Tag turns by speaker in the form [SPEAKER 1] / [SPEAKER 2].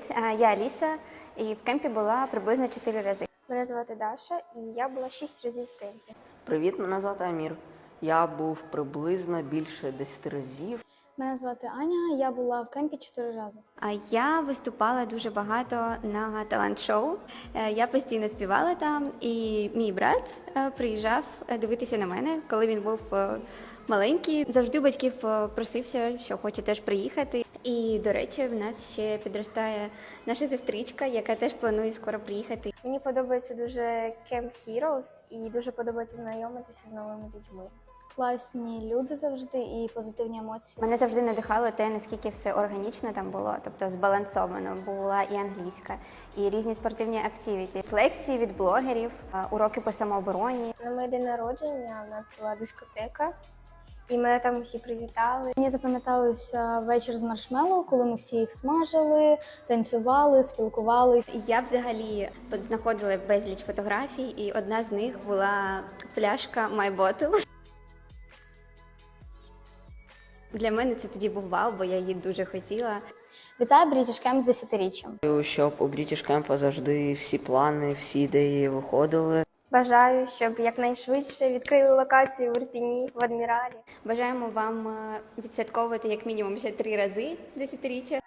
[SPEAKER 1] я Аліса, і в кемпі була приблизно 4 рази.
[SPEAKER 2] Мене звати Даша, і я була 6 разів в кемпі.
[SPEAKER 3] Привіт, мене звати Амір. Я був приблизно більше 10 разів.
[SPEAKER 4] Мене звати Аня, я була в кемпі 4 рази.
[SPEAKER 1] А я виступала дуже багато на талант-шоу. Я постійно співала там, і мій брат приїжджав дивитися на мене, коли він був маленький. Завжди батьків просився, що хоче теж приїхати. І, до речі, в нас ще підростає наша сестричка, яка теж планує скоро приїхати.
[SPEAKER 2] Мені подобається дуже Camp Heroes і дуже подобається знайомитися з новими людьми.
[SPEAKER 4] Класні люди завжди і позитивні емоції.
[SPEAKER 1] Мене завжди надихало те, наскільки все органічно там було, тобто збалансовано. Була і англійська, і різні спортивні активіті, лекції від блогерів, уроки по самообороні.
[SPEAKER 2] На моє день народження у нас була дискотека, і мене там всі привітали.
[SPEAKER 4] Мені запам'яталося вечір з маршмеллоу, коли ми всі їх смажили, танцювали, спілкували.
[SPEAKER 1] Я взагалі знаходила безліч фотографій, і одна з них була пляшка My Bottle. Для мене це тоді був вау, бо я її дуже хотіла.
[SPEAKER 4] Вітаю British Camp з 10-річчям.
[SPEAKER 3] Щоб у British Camp завжди всі плани, всі ідеї виходили.
[SPEAKER 2] Бажаю, щоб якнайшвидше відкрили локацію в Ірпіні, в Адміралі.
[SPEAKER 1] Бажаємо вам відсвятковувати як мінімум ще 3 рази 10-річчя.